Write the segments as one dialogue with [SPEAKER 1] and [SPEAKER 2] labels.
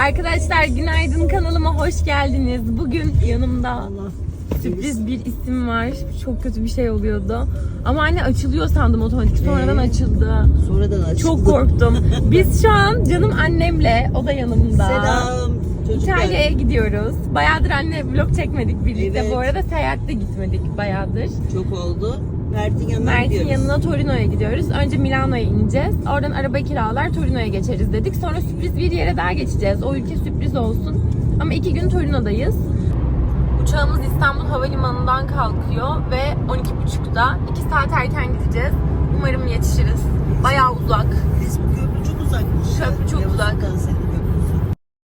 [SPEAKER 1] Arkadaşlar günaydın, kanalıma hoş geldiniz. Bugün yanımda sürpriz bir isim var. Çok kötü bir şey oluyordu. Ama anne açılıyor sandım otomatik. Sonradan açıldı.
[SPEAKER 2] Sonradan açıldı.
[SPEAKER 1] Çok korktum. Biz şu an canım annemle, o da yanımda.
[SPEAKER 2] Selam çocuklar.
[SPEAKER 1] İtalya'ya gidiyoruz. Bayağıdır anne vlog çekmedik birlikte.
[SPEAKER 2] Evet.
[SPEAKER 1] Bu arada seyahatte gitmedik bayağıdır.
[SPEAKER 2] Çok oldu. Mert'in yanına
[SPEAKER 1] Mert'in
[SPEAKER 2] gidiyoruz.
[SPEAKER 1] yanına Torino'ya gidiyoruz. Önce Milano'ya ineceğiz. Oradan araba kiralar Torino'ya geçeriz dedik. Sonra sürpriz bir yere daha geçeceğiz. O ülke sürpriz olsun. Ama 2 gün Torino'dayız. Uçağımız İstanbul Havalimanı'ndan kalkıyor ve 12.30'da 2 saat erken gideceğiz. Umarım yetişiriz. Bayağı uzak.
[SPEAKER 2] Biz bu köprü çok uzakmış.
[SPEAKER 1] Köprü çok uzak.
[SPEAKER 2] Yavuz Sultan Selim Köprüsü.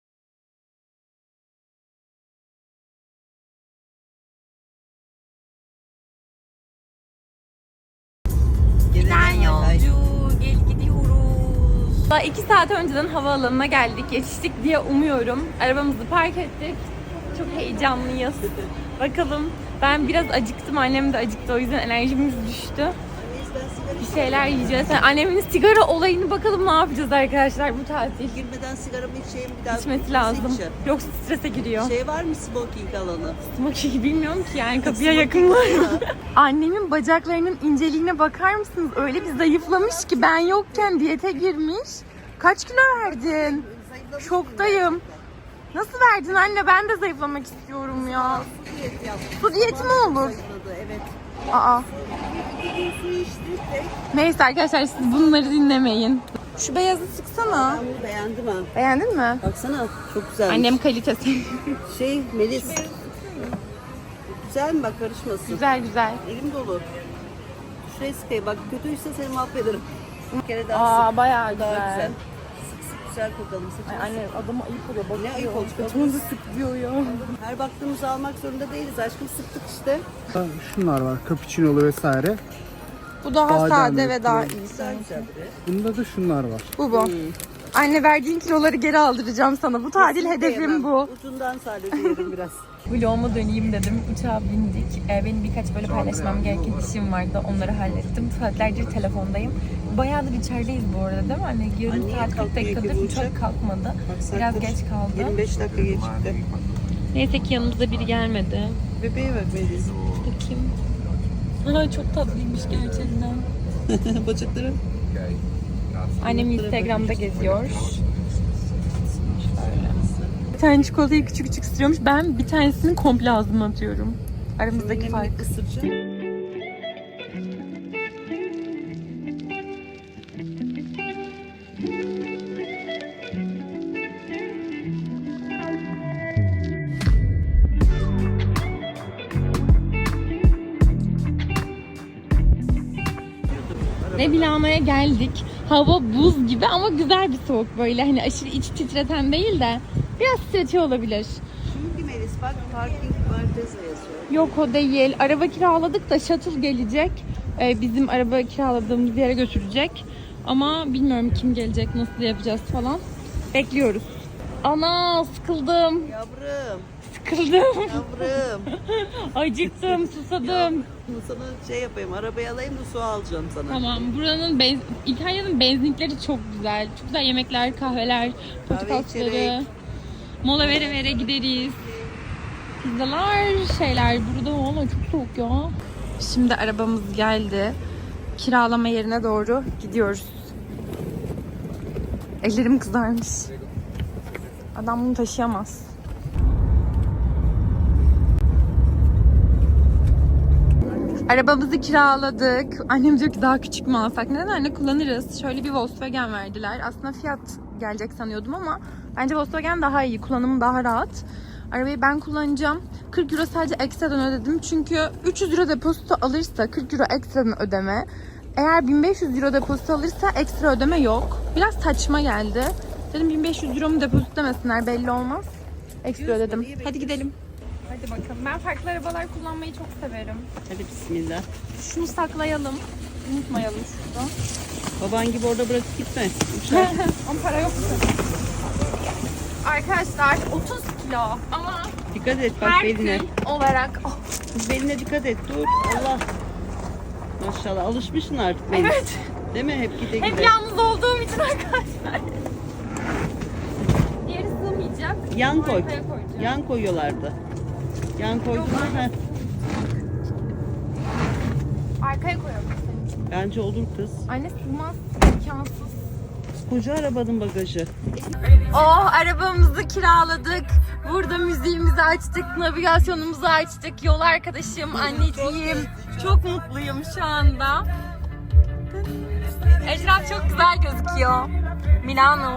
[SPEAKER 1] Giden yolcu, gel gidiyoruz. Daha 2 saat önceden havaalanına geldik, yetiştik diye umuyorum. Arabamızı park ettik. Çok heyecanlıyız. Bakalım, ben biraz acıktım, annem de acıktı, o yüzden enerjimiz düştü. Bir şeyler yiyeceğiz. Yani annemin sigara olayını bakalım ne yapacağız arkadaşlar bu tatil.
[SPEAKER 2] Girmeden sigaramı içeyim bir daha.
[SPEAKER 1] İçmesi lazım.
[SPEAKER 2] içeceğim.
[SPEAKER 1] Yoksa strese giriyor.
[SPEAKER 2] Şey var mı smoking alanı?
[SPEAKER 1] Smoky bilmiyorum ki yani kapıya
[SPEAKER 2] Smoking
[SPEAKER 1] yakın var
[SPEAKER 2] var
[SPEAKER 1] mı?
[SPEAKER 2] mı?
[SPEAKER 1] Annemin bacaklarının inceliğine bakar mısınız? Öyle bir zayıflamış ki ben yokken diyete girmiş. Kaç kilo verdin? Şoktayım. Nasıl verdin anne? Ben de zayıflamak istiyorum ya.
[SPEAKER 2] Su diyeti yaptım.
[SPEAKER 1] Su diyeti mi olur?
[SPEAKER 2] Zayıfladı, evet.
[SPEAKER 1] Aa.
[SPEAKER 2] Bir su içti.
[SPEAKER 1] Neyse arkadaşlar siz bunları dinlemeyin. Şu beyazı sıksana.
[SPEAKER 2] Ben bunu beğendim ha.
[SPEAKER 1] Beğendin mi?
[SPEAKER 2] Baksana çok güzel.
[SPEAKER 1] Annem kalitesi.
[SPEAKER 2] Melis. Güzel mi bak karışmasın.
[SPEAKER 1] Güzel güzel.
[SPEAKER 2] Elim dolu. Şuraya sıkayım. Bak kötüyse seni mahvederim. Bir kere daha sık.
[SPEAKER 1] Bayağı
[SPEAKER 2] Daha
[SPEAKER 1] güzel.
[SPEAKER 2] güzel. Sık sık güzel kokalım.
[SPEAKER 1] Ay anne adama ayıp oluyor. Bakıyor.
[SPEAKER 2] Ne ayıp olacak?
[SPEAKER 1] Götümüzü sık diyor ya.
[SPEAKER 2] Her baktığımızı almak zorunda değiliz. Aşkım sıktık işte.
[SPEAKER 3] Şunlar var, cappuccino'lu vesaire.
[SPEAKER 1] Bu daha
[SPEAKER 3] Badem
[SPEAKER 1] sade ve
[SPEAKER 3] yok,
[SPEAKER 1] daha
[SPEAKER 3] yok.
[SPEAKER 1] iyi
[SPEAKER 2] Güzel
[SPEAKER 1] sanki.
[SPEAKER 2] güzel biri.
[SPEAKER 3] Bunda da şunlar var.
[SPEAKER 1] Bu. Anne verdiğin kiloları geri aldıracağım sana. Bu tatil
[SPEAKER 2] Kesinlikle
[SPEAKER 1] hedefim
[SPEAKER 2] yemem.
[SPEAKER 1] bu.
[SPEAKER 2] Ucundan sadece yerim biraz.
[SPEAKER 1] Vloguma döneyim dedim. Uçağa bindik. Benim birkaç böyle paylaşmam gereken işim vardı. Onları hallettim. Saatlerce telefondayım. Bayağıdır içerideyiz bu arada değil mi anne? Yarım
[SPEAKER 2] Anne,
[SPEAKER 1] saat 40
[SPEAKER 2] kalkmıyor ki
[SPEAKER 1] dakikadır
[SPEAKER 2] bu
[SPEAKER 1] uçak
[SPEAKER 2] uçak.
[SPEAKER 1] kalkmadı.
[SPEAKER 2] Bak,
[SPEAKER 1] Biraz
[SPEAKER 2] saattir
[SPEAKER 1] geç kaldı.
[SPEAKER 2] 25 dakika gecikti.
[SPEAKER 1] Neyse ki yanımızda biri gelmedi.
[SPEAKER 2] Bebeğe bak Melis.
[SPEAKER 1] Bakayım. Ay çok tatlıymış gerçekten.
[SPEAKER 2] Bacakları.
[SPEAKER 1] Annem Instagram'da geziyor. Bir tane çikolatayı küçük küçük ısırıyormuş. Ben bir tanesini komple ağzıma atıyorum. Aramızdaki fark.
[SPEAKER 2] Minik ısıracağım.
[SPEAKER 1] Ve Milano'ya geldik. Hava buz gibi ama güzel bir soğuk böyle. Hani aşırı iç titreten değil de biraz titretiyor olabilir.
[SPEAKER 2] Şimdi Melis bak parking Marteza yazıyor.
[SPEAKER 1] Yok o değil. Araba kiraladık da shuttle gelecek. Bizim araba kiraladığımız yere götürecek. Ama bilmiyorum kim gelecek, nasıl yapacağız falan. Bekliyoruz. Ana sıkıldım.
[SPEAKER 2] Yavrum,
[SPEAKER 1] Sıkıldım.
[SPEAKER 2] yavrum.
[SPEAKER 1] Acıktım, susadım.
[SPEAKER 2] Sana şey yapayım, arabayı alayım da su alacağım sana.
[SPEAKER 1] Tamam. Buranın İtalya'nın benzinlikleri çok güzel. Çok güzel yemekler, kahveler, portakalları.
[SPEAKER 2] içerek.
[SPEAKER 1] Mola vere vere gideriz. Pizzalar, şeyler. Burada valla çok soğuk ya. Şimdi arabamız geldi. Kiralama yerine doğru gidiyoruz. Ellerim kızarmış. Adam bunu taşıyamaz. Arabamızı kiraladık. Annem diyor ki daha küçük mü alsak? Neden anne, kullanırız. Şöyle bir Volkswagen verdiler. Aslında Fiat gelecek sanıyordum ama bence Volkswagen daha iyi. Kullanımı daha rahat. Arabayı ben kullanacağım. 40 euro sadece ekstradan ödedim. Çünkü 300 euro depozito alırsa 40 euro ekstradan ödeme. Eğer 1500 euro depozito alırsa ekstra ödeme yok. Biraz saçma geldi. Dedim 1500 euro mu depozito demesinler, belli olmaz. Ekstra ödedim. Hadi gidelim. Hadi bakalım. Ben farklı arabalar kullanmayı çok severim.
[SPEAKER 2] Hadi bismillah.
[SPEAKER 1] Şunu saklayalım. Unutmayalım şurada.
[SPEAKER 2] Baban gibi orada bırakıp gitme. Uçar.
[SPEAKER 1] Ama para yok. Arkadaşlar 30 kilo ama
[SPEAKER 2] Dikkat et bak
[SPEAKER 1] her
[SPEAKER 2] beline.
[SPEAKER 1] gün olarak
[SPEAKER 2] Beline dikkat et. Dur. Allah. Maşallah alışmışsın artık Melis.
[SPEAKER 1] evet.
[SPEAKER 2] Değil mi? Hep gide
[SPEAKER 1] Hep
[SPEAKER 2] gide.
[SPEAKER 1] yalnız olduğum için arkadaşlar. Diğeri sığmayacak.
[SPEAKER 2] Yan koy.
[SPEAKER 1] Arkaya koyacağım.
[SPEAKER 2] Yan koyuyorlardı. Yan koyduğunda
[SPEAKER 1] Arkaya koyalım senin için.
[SPEAKER 2] bence olur kız.
[SPEAKER 1] Anne sığmaz. İmkansız.
[SPEAKER 2] Koca arabanın bagajı.
[SPEAKER 1] Oh, arabamızı kiraladık. Burada müziğimizi açtık, navigasyonumuzu açtık. Yol arkadaşım, anneciğim. Çok mutluyum şu anda. Etraf çok güzel gözüküyor. Milano.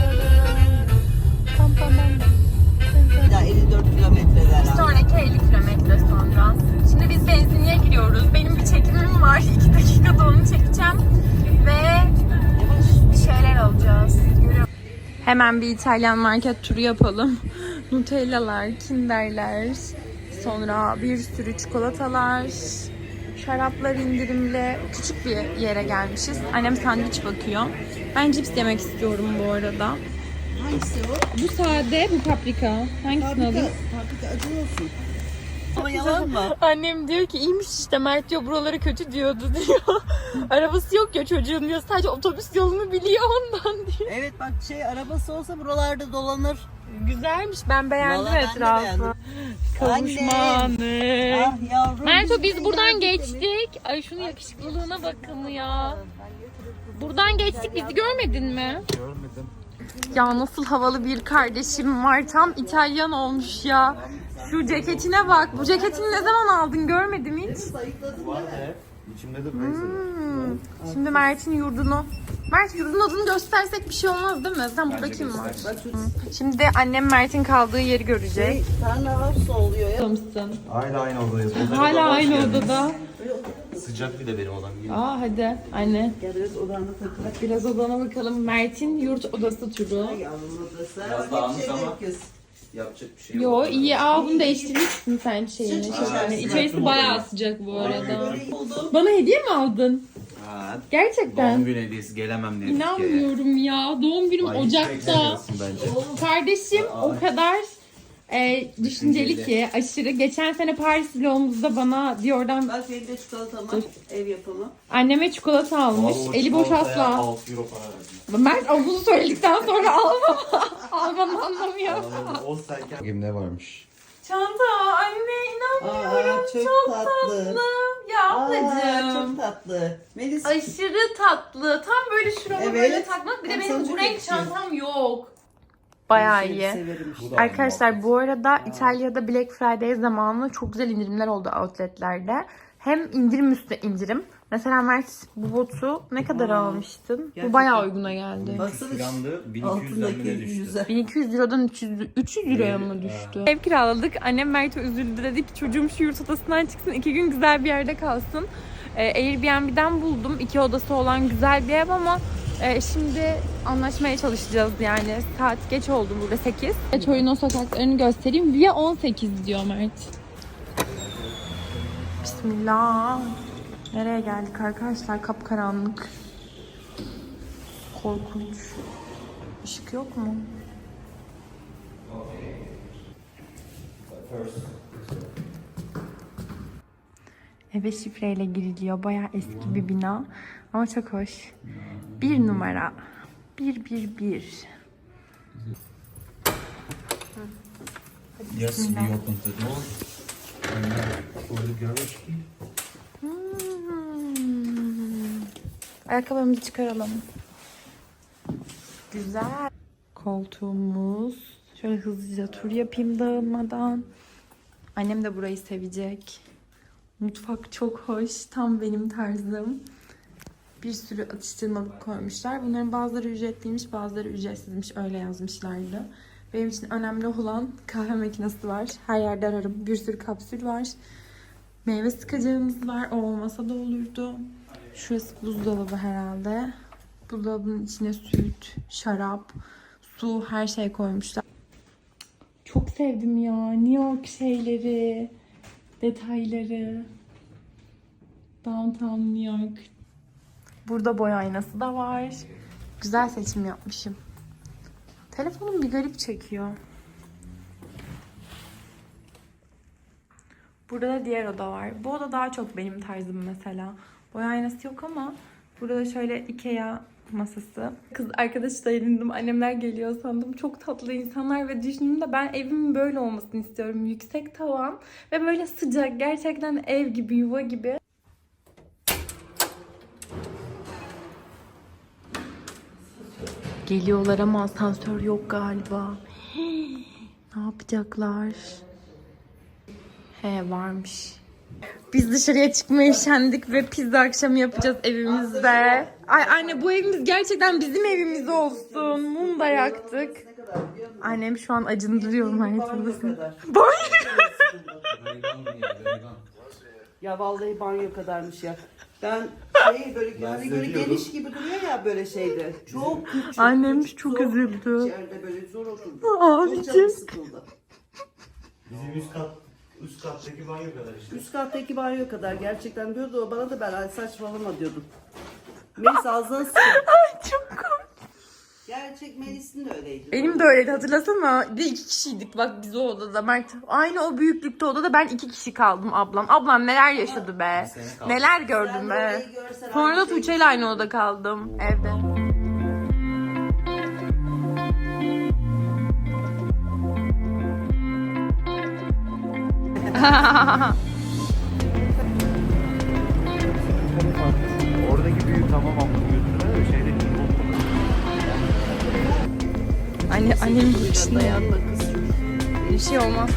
[SPEAKER 2] Ya 54 kilometreler.
[SPEAKER 1] Sonraki 50 kilometre sonra. Şimdi biz benzinliğe giriyoruz. Benim bir çekimim var. 2 dakikada onu çekeceğim. Ve bir şeyler alacağız. Hemen bir İtalyan market turu yapalım. Nutellalar, Kinderler, sonra bir sürü çikolatalar, şaraplar indirimli. Küçük bir yere gelmişiz. Annem sandviç bakıyor. Ben cips yemek istiyorum bu arada.
[SPEAKER 2] Hangisi o?
[SPEAKER 1] Bu sade, bu paprika. Hangisini alayım?
[SPEAKER 2] Paprika acı olsun. Ama yalan mı?
[SPEAKER 1] Annem diyor ki iyiymiş işte, Mert diyor buraları kötü diyordu diyor. Arabası yok ya çocuğun diyor, sadece otobüs yolunu biliyor ondan diyor.
[SPEAKER 2] Evet bak arabası olsa buralarda dolanır.
[SPEAKER 1] Güzelmiş, ben beğendim
[SPEAKER 2] Vallahi ben de
[SPEAKER 1] etrafı.
[SPEAKER 2] beğendim.
[SPEAKER 1] Kavuşmanı.
[SPEAKER 2] Ah yavrum.
[SPEAKER 1] Merto biz buradan geçtik. Ay şunun yakışıklılığına bakın ya. Buradan geçtik, bizi görmedin mi?
[SPEAKER 3] Görmedim.
[SPEAKER 1] Ya nasıl havalı bir kardeşim var, tam İtalyan olmuş ya. Şu ceketine bak. Bu ceketini ne zaman aldın, görmedim hiç.
[SPEAKER 3] Var hep. İçimde de Fraser.
[SPEAKER 1] Şimdi Mert'in yurdunu. Mert, yurdun adını göstersek bir şey olmaz değil mi? Sen burada kim var? Şimdi de annem Mert'in kaldığı yeri görecek.
[SPEAKER 2] Tarla hapsa oluyor ya.
[SPEAKER 1] Mısın?
[SPEAKER 4] Hala aynı odadayız.
[SPEAKER 1] Hala aynı odada.
[SPEAKER 4] Sıcak bir de benim odam.
[SPEAKER 1] Aa hadi anne.
[SPEAKER 2] Gel biraz odanda takılak.
[SPEAKER 1] Biraz odana bakalım. Mert'in yurt odası turu.
[SPEAKER 2] Yavrum odası.
[SPEAKER 4] Biraz
[SPEAKER 2] Hep
[SPEAKER 4] dağınık
[SPEAKER 2] şeyde
[SPEAKER 4] ama.
[SPEAKER 2] kız.
[SPEAKER 4] Yapacak bir şey yok.
[SPEAKER 1] Yo iyi. Aa bunu değiştirmişsin sen şeyini.
[SPEAKER 2] Sıcak.
[SPEAKER 1] İçerisi bayağı sıcak bu arada.
[SPEAKER 2] Böyle buldum.
[SPEAKER 1] Bana hediye mi aldın?
[SPEAKER 4] Ha,
[SPEAKER 1] Gerçekten.
[SPEAKER 4] doğum günü hediyesi gelemem diye.
[SPEAKER 1] İnanmıyorum ya. Doğum günüm Ocak'ta.
[SPEAKER 4] Bence.
[SPEAKER 1] Kardeşim o kadar düşünceli ki aşırı. Geçen sene Paris vlogumuzda bana Dior'dan
[SPEAKER 2] Bak benim de çikolatam var. Ev yapımı.
[SPEAKER 1] anneme çikolata almış. Eli boş asla.
[SPEAKER 4] 6 euro para verdim.
[SPEAKER 1] Mert ama bunu söyledikten sonra almam. Almam anlamıyor.
[SPEAKER 4] O serken. Bakayım ne varmış.
[SPEAKER 1] Çanta anne inanmıyorum.
[SPEAKER 2] Aa, çok tatlı.
[SPEAKER 1] Ya
[SPEAKER 2] Aa,
[SPEAKER 1] ablacığım.
[SPEAKER 2] çok tatlı. Melis.
[SPEAKER 1] Aşırı tatlı. Tam böyle şurama
[SPEAKER 2] Evet.
[SPEAKER 1] böyle takmak. Bir de
[SPEAKER 2] Tam
[SPEAKER 1] benim
[SPEAKER 2] sana
[SPEAKER 1] bu
[SPEAKER 2] çok
[SPEAKER 1] renk
[SPEAKER 2] yakışıyor.
[SPEAKER 1] çantam yok. Bayağı
[SPEAKER 2] Seni
[SPEAKER 1] iyi.
[SPEAKER 2] severim işte.
[SPEAKER 1] Arkadaşlar bu arada İtalya'da Black Friday zamanı çok güzel indirimler oldu outletlerde. Hem indirim üstüne indirim. Mesela Mert bu botu ne kadar almıştın?
[SPEAKER 2] Gerçekten.
[SPEAKER 1] Bu bayağı uyguna geldi.
[SPEAKER 2] Baksana
[SPEAKER 4] Filandı 1200'den
[SPEAKER 2] altındaki
[SPEAKER 4] bile düştü.
[SPEAKER 2] yüze.
[SPEAKER 1] 1200 liradan 300 liraya mı düştü? Ev kiraladık. Annem Mert'e üzüldü. Dedi ki çocuğum şu yurt odasından çıksın. 2 gün güzel bir yerde kalsın. Airbnb'den buldum. 2 odası olan güzel bir ev ama şimdi anlaşmaya çalışacağız yani. Saat geç oldu burada 8. Torino sokaklarını göstereyim. Via 18 diyor Mert. Bismillah. Nereye geldik arkadaşlar? Kapkaranlık. Korkunç. Işık yok mu? Eve şifreyle giriliyor. Bayağı eski bir bina. Ama çok hoş. 1 numara. 111.
[SPEAKER 4] Yes, we opened the door.
[SPEAKER 1] Ayakkabılarımızı çıkaralım. Güzel. Koltuğumuz. Şöyle hızlıca tur yapayım dağılmadan. Annem de burayı sevecek. Mutfak çok hoş. Tam benim tarzım. Bir sürü atıştırmalık koymuşlar. Bunların bazıları ücretliymiş, bazıları ücretsizmiş. Öyle yazmışlardı. Benim için önemli olan kahve makinesi var. Her yerde ararım. Bir sürü kapsül var. Meyve sıkacağımız var. O olmasa da olurdu. Şurası buzdolabı herhalde. Buzdolabının içine süt, şarap, su, her şey koymuşlar. Çok sevdim ya. New York şeyleri, detayları. Downtown New York. Burada boy aynası da var. Güzel seçim yapmışım. Telefonum bir garip çekiyor. Burada da diğer oda var. Bu oda daha çok benim tarzım mesela. Boy aynası yok ama burada şöyle Ikea masası. Kız arkadaşla edindim. Annemler geliyor sandım. Çok tatlı insanlar ve düşündüğümde ben evimin böyle olmasını istiyorum. Yüksek tavan ve böyle sıcak. Gerçekten ev gibi, yuva gibi. Geliyorlar ama asansör yok galiba. Ne yapacaklar? He, varmış. Biz dışarıya çıkmaya üşendik ve pizza akşamı yapacağız evimizde. Ay anne, bu evimiz gerçekten bizim evimiz olsun. Mum da yaktık. Annem şu an acındırıyor Mert'in.
[SPEAKER 2] Ya vallahi banyo kadarmış ya. Ben böyle hani böyle geniş gibi duruyor ya böyle şeyde. Çok küçük.
[SPEAKER 1] Annem
[SPEAKER 2] küçük,
[SPEAKER 1] çok
[SPEAKER 2] zor,
[SPEAKER 1] üzüldü.
[SPEAKER 2] İçeride böyle zor oturdu.
[SPEAKER 1] Abicim.
[SPEAKER 2] Çok canım sıkıldı.
[SPEAKER 3] Bizim üst kattaki banyo kadar işte.
[SPEAKER 2] Üst kattaki banyo kadar gerçekten diyordu o bana da, ben "Ay saçmalama" diyordum. Melis ağzına sıkıldı.
[SPEAKER 1] Çok komik.
[SPEAKER 2] Gerçek Melis'in de öyleydi.
[SPEAKER 1] Benim de öyleydi, hatırlasana. Bir de 2 kişiydik bak biz o odada. Mert aynı o büyüklükte odada, ben 2 kişi kaldım ablam. Ablam neler yaşadı be. Neler gördüm
[SPEAKER 2] Sen de
[SPEAKER 1] be.
[SPEAKER 2] orayı görsen
[SPEAKER 1] Sonra da
[SPEAKER 2] aynı şey
[SPEAKER 1] Tuğçe ile aynı odada kaldım evde.
[SPEAKER 3] Oradaki büyük tamam ama götürme de şeyde
[SPEAKER 1] Annem bakışında ya.
[SPEAKER 2] dayanma kız.
[SPEAKER 1] Bir şey olmaz.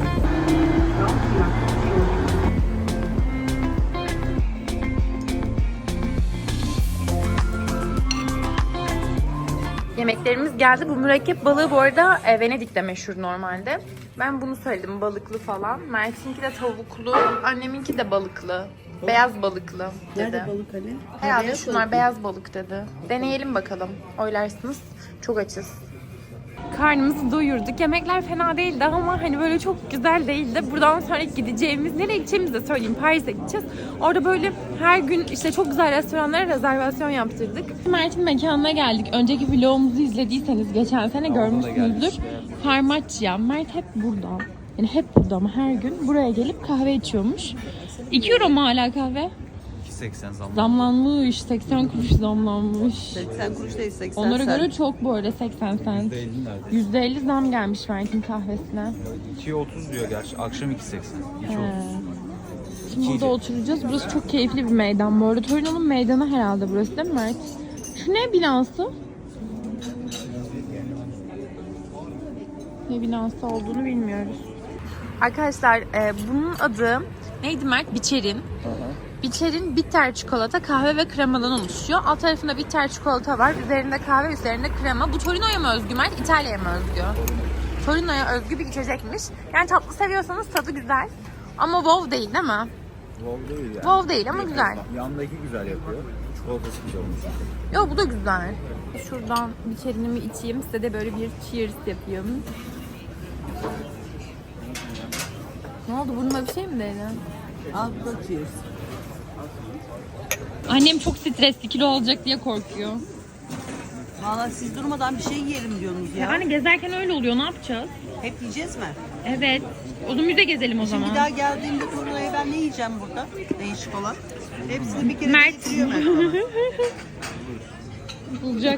[SPEAKER 1] Yemeklerimiz geldi. Bu mürekkep balığı bu arada Venedik'te meşhur normalde. Ben bunu söyledim, balıklı falan. Mert'inki de tavuklu, anneminki de balıklı. Beyaz balıklı dedi.
[SPEAKER 2] Nerede balık hani?
[SPEAKER 1] Herhalde
[SPEAKER 2] Beyaz
[SPEAKER 1] şunlar
[SPEAKER 2] balık.
[SPEAKER 1] beyaz balık dedi. Deneyelim bakalım. Oylarsınız. Çok açız. Karnımızı doyurduk. Yemekler fena değildi ama hani böyle çok güzel değildi. Buradan sonra gideceğimiz, nereye gideceğimizi de söyleyeyim. Paris'e gideceğiz. Orada böyle her gün işte çok güzel restoranlara rezervasyon yaptırdık. Mert'in mekanına geldik. Önceki vlogumuzu izlediyseniz geçen sene görmüşsünüzdür. Farmacia. Mert hep burada. Yani hep burada ama her gün buraya gelip kahve içiyormuş. 2 euro mu hala kahve?
[SPEAKER 3] 2.80 zaman.
[SPEAKER 1] Zamlanmış. 80 kuruş zamlanmış.
[SPEAKER 2] 80 kuruş değil 80
[SPEAKER 1] Onlara
[SPEAKER 2] sen.
[SPEAKER 1] göre çok bu arada, 80 cent. %50 zam gelmiş Mert'in kahvesine.
[SPEAKER 3] 2.30 diyor gerçi. Akşam 2.80. 2.30.
[SPEAKER 1] Şimdi burada oturacağız. Burası çok keyifli bir meydan. Bu arada Torino'nun meydanı herhalde burası değil mi Mert? Şu ne binası? Ne binası olduğunu bilmiyoruz. Arkadaşlar bunun adı neydi Mert? Biçerin. Biçerin bitter çikolata, kahve ve kremadan oluşuyor. Alt tarafında bitter çikolata var. Üzerinde kahve, üzerinde krema. Bu Torino'ya mı özgü Mert? İtalya'ya mı özgü? Torino'ya özgü bir içecekmiş. Yani tatlı seviyorsanız tadı güzel. Ama wow değil mi?
[SPEAKER 3] Wow değil yani.
[SPEAKER 1] Wow değil ama güzel.
[SPEAKER 3] Yandaki güzel yapıyor. Çikolatası güzel olmuş.
[SPEAKER 1] Yok, bu da güzel. Şuradan biçerinimi içeyim. Size de böyle bir cheers yapayım. Ne oldu? Burnuma bir şey mi değdi?
[SPEAKER 2] Altta cheers.
[SPEAKER 1] Annem çok stresli, kilo olacak diye korkuyor.
[SPEAKER 2] Valla siz durmadan bir şey yiyelim diyorsunuz ya.
[SPEAKER 1] Yani gezerken öyle oluyor. Ne yapacağız?
[SPEAKER 2] Hep yiyeceğiz mi?
[SPEAKER 1] Evet. O zaman müze gezelim o zaman.
[SPEAKER 2] Bir daha geldiğimde Torino'ya ben ne yiyeceğim burada? Değişik olan. Hepsini bir kere
[SPEAKER 1] Mert.
[SPEAKER 2] getiriyor Mert bana.
[SPEAKER 1] Bulacak.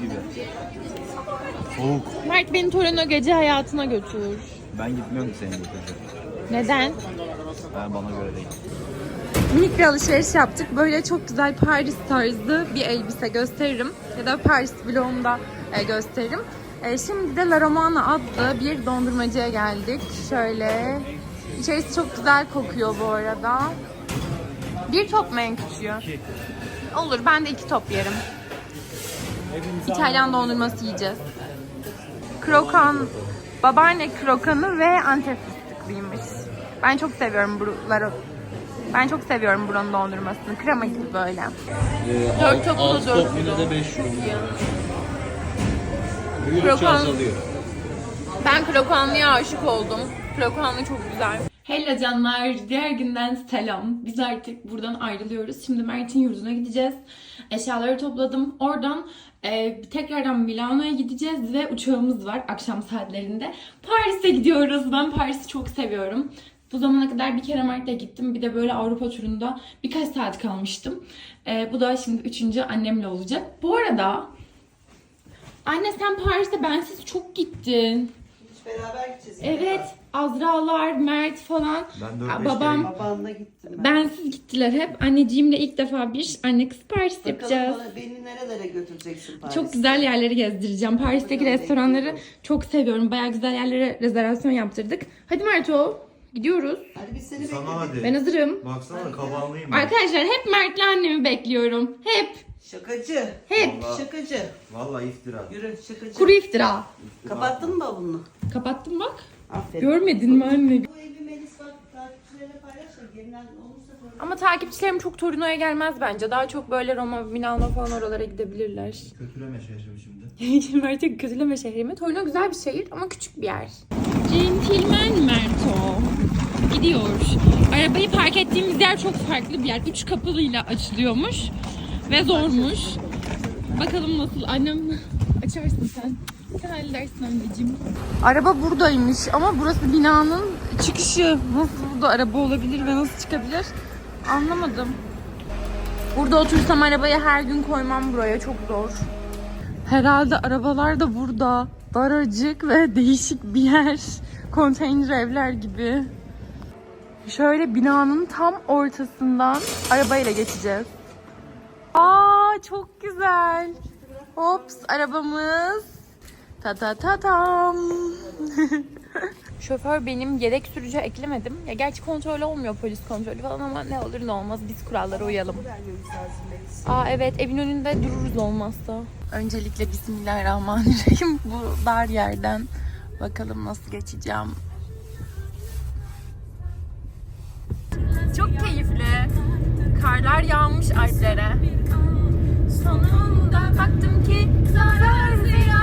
[SPEAKER 3] Soğuk.
[SPEAKER 1] Mert beni Torino gece hayatına götür.
[SPEAKER 3] Ben gitmiyorum ki senin götüreceğim.
[SPEAKER 1] Neden?
[SPEAKER 3] Ben bana göre değil.
[SPEAKER 1] Minik bir alışveriş yaptık. Böyle çok güzel Paris tarzı bir elbise gösteririm. Ya da Paris vlogumda gösteririm. Şimdi de La Romana adlı bir dondurmacıya geldik. Şöyle. İçerisi çok güzel kokuyor bu arada. Bir top mu en küçüğü? Olur, ben de 2 top yerim. İtalyan dondurması yiyeceğiz. Krokan, babaanne krokanı ve Antep fıstıklıymış. Ben çok seviyorum buraları. Ben çok seviyorum buranın dondurmasını. Krema gibi böyle. 4 toplu 4
[SPEAKER 4] Yine de 5 euro.
[SPEAKER 1] Krokan. Ben krokanlıya aşık oldum. Krokanlı çok güzel. Hello canlar, diğer günden selam. Biz artık buradan ayrılıyoruz. Şimdi Mert'in yurduna gideceğiz. Eşyaları topladım. Oradan tekrardan Milano'ya gideceğiz ve uçağımız var akşam saatlerinde. Paris'e gidiyoruz. Ben Paris'i çok seviyorum. Bu zamana kadar bir kere Mert'le gittim. Bir de böyle Avrupa turunda birkaç saat kalmıştım. Bu da şimdi 3. annemle olacak. Bu arada anne sen Paris'te bensiz çok gittin.
[SPEAKER 2] Hiç beraber gideceğiz.
[SPEAKER 1] Evet, Azralar, Mert falan.
[SPEAKER 3] Ben 4-5
[SPEAKER 1] babam
[SPEAKER 2] Babanla gittim ben.
[SPEAKER 1] bensiz gittiler hep. Anneciğimle ilk defa bir anne kız Paris yapacağız.
[SPEAKER 2] Bakalım beni nerelere götüreceksin Paris'te?
[SPEAKER 1] Çok güzel yerleri gezdireceğim. Paris'teki
[SPEAKER 2] Bakalım,
[SPEAKER 1] restoranları
[SPEAKER 2] bekliyorum.
[SPEAKER 1] çok seviyorum. Bayağı güzel yerlere rezervasyon yaptırdık. Hadi Merto, gidiyoruz.
[SPEAKER 2] Hadi biz seni
[SPEAKER 3] Sana
[SPEAKER 2] bekledik.
[SPEAKER 3] hadi.
[SPEAKER 1] Ben hazırım.
[SPEAKER 3] Baksana kabanlıyım ben.
[SPEAKER 1] Arkadaşlar hep Mert'le annemi bekliyorum. Hep.
[SPEAKER 2] Şakacı.
[SPEAKER 1] Hep.
[SPEAKER 3] Vallahi-
[SPEAKER 2] Şakacı.
[SPEAKER 3] Vallahi iftira.
[SPEAKER 2] Yürü şakacı.
[SPEAKER 1] Kuru iftira.
[SPEAKER 2] Kapattın mı bavulunu?
[SPEAKER 1] Kapattım bak.
[SPEAKER 2] Aferin.
[SPEAKER 1] Görmedin mi anne?
[SPEAKER 2] Bu evi Melis bak takipçilerine paylaş da gerilen olursa sonra.
[SPEAKER 1] Ama takipçilerim çok Torino'ya gelmez bence. Daha çok böyle Roma, Milano falan oralara gidebilirler.
[SPEAKER 3] Kötüleme şaşırım şimdi.
[SPEAKER 1] Mert'e kötüleme şehrimi. Torino güzel bir şehir ama küçük bir yer. Centilmen Merto. Gidiyor. Arabayı park ettiğimiz yer çok farklı bir yer. 3 kapılıyla açılıyormuş. Ve zormuş. Bakalım nasıl. Annem açarsın sen. Sen halledersin anneciğim. Araba buradaymış ama burası binanın çıkışı. Nasıl burada araba olabilir ve nasıl çıkabilir? Anlamadım. Burada otursam arabayı her gün koymam buraya. Çok zor. Herhalde arabalar da burada. Daracık ve değişik bir yer. Konteyner evler gibi. Şöyle binanın tam ortasından arabayla geçeceğiz. Aa çok güzel. Hops arabamız. Ta ta ta tam. Şoför benim, yedek sürücü eklemedim. Ya gerçi kontrol olmuyor, polis kontrolü falan ama ne olur ne olmaz biz kurallara uyalım. Aa evet, evin önünde dururuz olmazsa. Öncelikle Bismillahirrahmanirrahim. Bu dar yerden bakalım nasıl geçeceğim. Çok keyifli. Karlar yağmış Alplere. Sonunda baktım ki zarar ziyan.